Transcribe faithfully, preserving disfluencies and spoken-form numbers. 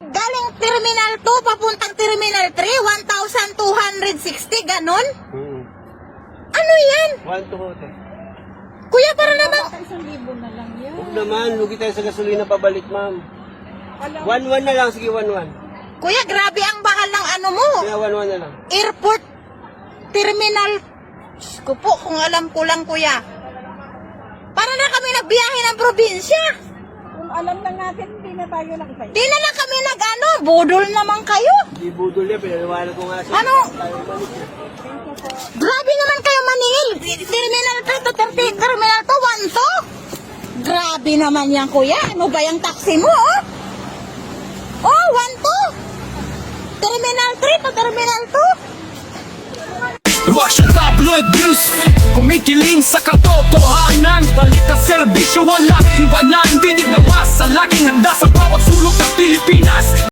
Galing Terminal two, papuntang Terminal three, one thousand two hundred sixty, ganon? Hmm. Ano yan? One to hote. Kuya, para naman... Isang libo na lang yan. Huwag naman, lugi tayo sa gasolina pabalik, ma'am. One one na lang, sige, one one. Kuya, grabe ang bakal ng ano mo. Kaya one one na lang. Airport, Terminal... Diyos ko po, kung alam ko lang, kuya. Para na kami nagbiyahe ng probinsya. Kung alam na natin, hindi na tayo nakipay. Di na lang kami nag-ano, budol naman kayo. Hindi budol yan, pinaliwanag ko nga siya. Ano? Grabe naman kayo maningil. Terminal three to Terminal two, one to. Grabe naman yan, kuya. Ano ba yung taxi mo, oh? Oh, one to. Terminal three to Terminal two. Rush tabloid news, kumikiling sa katotohanan. Balik ang serbisyo, walang iwanan. Dinig na masa, laging handa sa bawat sulok ng Pilipinas.